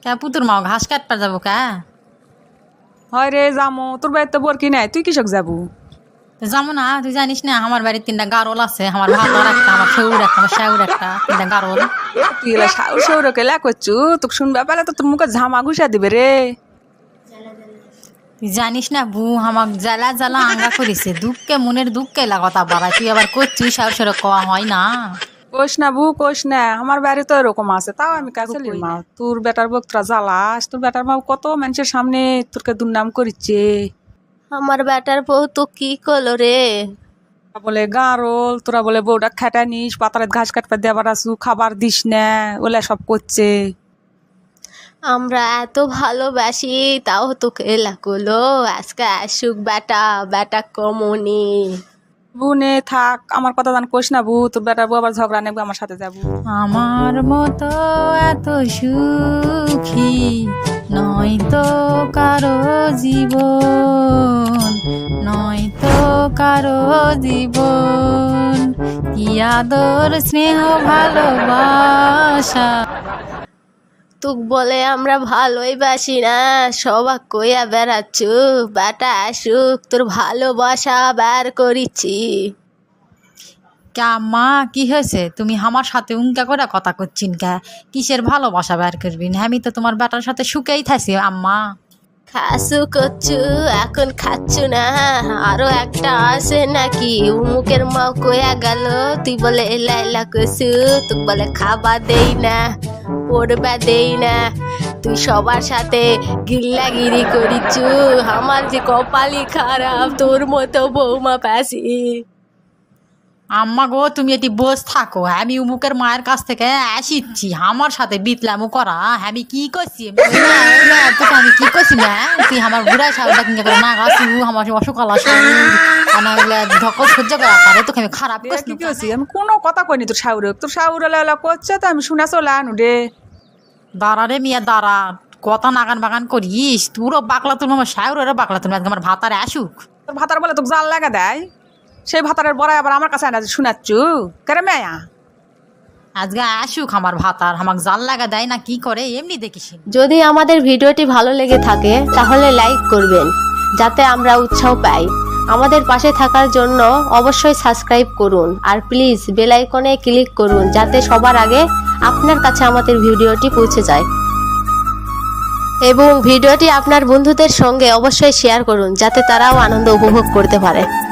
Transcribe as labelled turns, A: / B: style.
A: কে পুতুর মা ঘাস কাটবার যাবো কে?
B: হয় রে যামো, তোর বাড়িতে বর কি নাই, তুই কৃষক যাবো?
A: যাবো না, তুই জানিস না আমার বাড়ির 3টা গারল আছে, আমার ভাতার একটা, আমার শৌর একটা, আমার শাউর একটা, 3টা গারল।
B: তুই এলা সাউর সৌরকে লা করছু, তোকে শুনবা পেলে তো তোর মুখে ঝামা ঘুষা দিবে রে।
A: তুই জানিস না বু আমাক জ্বালা জ্বালা আঙ্গা করিছে, দুঃখে মনের দুঃখে লাগতা বাড়ায়, তুই আবার করছিস শাউর সরে কওয়া হয় না।
B: কোষ না বু কোষ না, আমার বাড়ি তো এরকম আছে, তাও আমি কাছে মা তোর বেটার বক্তরা জ্বালাস, তোর বেটার মা কত মানুষের সামনে তোরকে দুর্নাম করিচ্ছে।
C: আমার বেটার বউ তো কি করলো রে?
B: বলে গারল, তোরা বলে বউটা খেটা নিস, পাতারে ঘাস কাটপা দেবার আসু, খাবার দিস না, ওলা সব করছে।
C: আমরা এত ভালোবাসি তাও তোকে এলা করলো, আজকে আসুক বেটা, বেটা কমনি।
B: বুনে থাক, আমার কথা জান কোষ না বু, তোর বেটার বউ আবার ঝগড়া নেবে আমার সাথে যাবো।
A: আমার মতো এত সুখী নয়তো কারো জীবন, নয়তো কারো জীবন, কি আদর স্নেহ ভালোবাসা।
C: তুক বলে আমরা ভালোই বাসি না, সবাক কইয়া বেড়াচ্ছু, বেটা আসুক তোর ভালোবাসা বের করিচ্ছি।
A: কে মা কি হয়েছে, তুমি আমার সাথে উঙ্কা করে কথা করছিন কে? কিসের ভালোবাসা বের করবিন? আমি তো তোমার বেটার সাথে সুখেই থাকি আম্মা।
C: খাসু করছু এখন খাচ্ছু না, আরো একটা আছে নাকি? উমুকের মা কইয়া গেল তুই বলে এলা এলা করছু, তুক বলে খাবার দেই না, পড়বা দেই না, তুই সবার সাথে গিল্লাগিরি করিচ্ছু। আমার যে কপালই খারাপ, তোর মতো বৌমা পাসি।
A: আম্মা গো তুমি এটি বস থাকো, আমি উমুকের মায়ের কাছ থেকে আসিচ্ছি, আমার সাথে বিতলামু করা আমি কি করছি? তোকে আমি কি করছি না? তুই আমার বুড়া সাউটা কিনকে করে না গাছু, আমার অসুকাল আসু ধকল সহ্য করা পারে, তোকে আমি খারাপ
B: কি
A: করছি।
B: করছি আমি? কোনো কথা কইনি তোর শাউরে, তোর শাউর এলা করছে তো আমি শুনে চলে আনু রে।
A: দাঁড়া রে মিয়া দাঁড়া, কথা নাগান বাগান করিস, তোরও বাকলা তুমি, আমার শাউরেরও বাকলা তুমি, আজকে আমার ভাতারে আসুক।
B: তোর ভাতার বলে তোকে জাল লাগা দেয়, সেই ভাতারের বড়াই আবার আমার কাছে আনা শুনাচ্ছু কেরে মেয়া?
A: আজকে আসুক আমার ভাতার, আমাকে জাল লাগা দেয় না কি করে এমনি দেখিস।
C: যদি আমাদের ভিডিওটি ভালো লেগে থাকে তাহলে লাইক করবেন, যাতে আমরা উৎসাহ পাই। আমাদের পাশে থাকার জন্য অবশ্যই সাবস্ক্রাইব করুন, আর প্লিজ বেল আইকনে ক্লিক করুন, যাতে সবার আগে আপনার কাছে আমাদের ভিডিওটি পৌঁছে যায়। এবং ভিডিওটি আপনার বন্ধুদের সঙ্গে অবশ্যই শেয়ার করুন, যাতে তারাও আনন্দ উপভোগ করতে পারে।